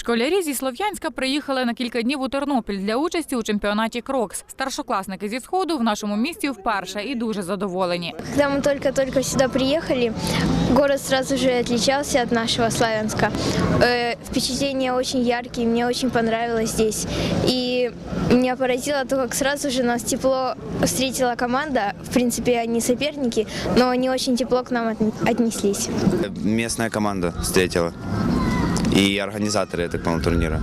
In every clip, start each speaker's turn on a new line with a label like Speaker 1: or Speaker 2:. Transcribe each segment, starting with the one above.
Speaker 1: Школярі зі Слов'янська приїхали на кілька днів у Тернопіль для участі у чемпіонаті «Крокс». Старшокласники зі Сходу в нашому місті вперше і дуже задоволені.
Speaker 2: Когда мы только сюда приехали, город сразу же отличался от нашего Славянска. Впечатления очень яркие, мне очень понравилось здесь. И меня поразило то, как сразу же нас тепло встретила команда. В принципе, они соперники, но они очень тепло к нам отнеслись.
Speaker 3: Местная команда встретила. И организаторы, я так понял, турнира.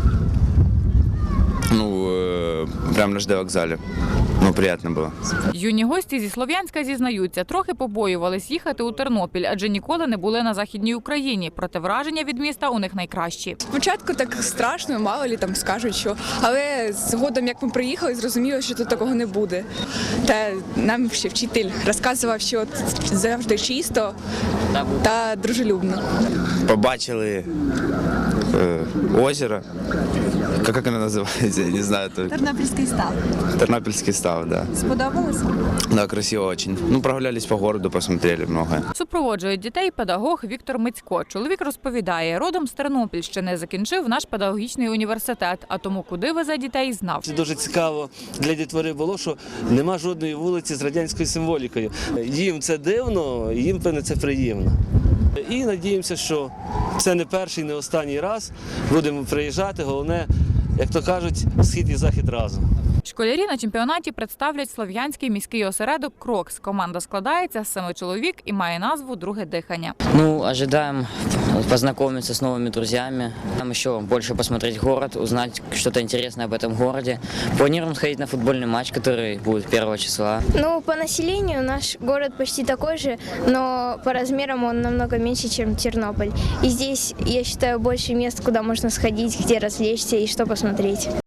Speaker 3: Прямо на ЖД-вокзалі. Приємно було.
Speaker 1: Юні гості зі Слов'янська зізнаються, трохи побоювались їхати у Тернопіль, адже ніколи не були на Західній Україні. Проте враження від міста у них найкращі.
Speaker 4: Спочатку так страшно, мало лі там скажуть, що. Але згодом, як ми приїхали, зрозуміли, що тут такого не буде. Та нам ще вчитель розказував, що завжди чисто та дружелюбно.
Speaker 3: Побачили озеро. Як воно називається? Я не знаю.
Speaker 5: Тернопільський став.
Speaker 3: Тернопільський став, да.
Speaker 5: Сподобалося?
Speaker 3: Да, красиво очень. Прогулялись по городу, посмотрели многое.
Speaker 1: Супроводжує дітей педагог Віктор Мицько. Чоловік розповідає, родом з Тернопільщини, закінчив наш педагогічний університет, а тому куди везе дітей знав.
Speaker 6: Це дуже цікаво для дітвори було, що нема жодної вулиці з радянською символікою. Їм це дивно, їм, певне, це приємно. І надіємося, що це не перший, не останній раз. Будемо приїжджати, головне, як то кажуть, схід і захід разом.
Speaker 1: Школярі на чемпіонаті представлять Слов'янський міський осередок «Крокс». Команда складається з 7 чоловік і має назву «Друге дихання».
Speaker 7: Ожидаем познакомиться с новыми друзьями, там еще больше посмотреть город, узнать что-то интересное об этом городе. Планируем сходить на футбольный матч, который будет 1 числа.
Speaker 2: По населению наш город почти такой же, но по размерам он намного меньше, чем Тернополь. И здесь, я считаю, больше мест, куда можно сходить, где развлечься и что посмотреть.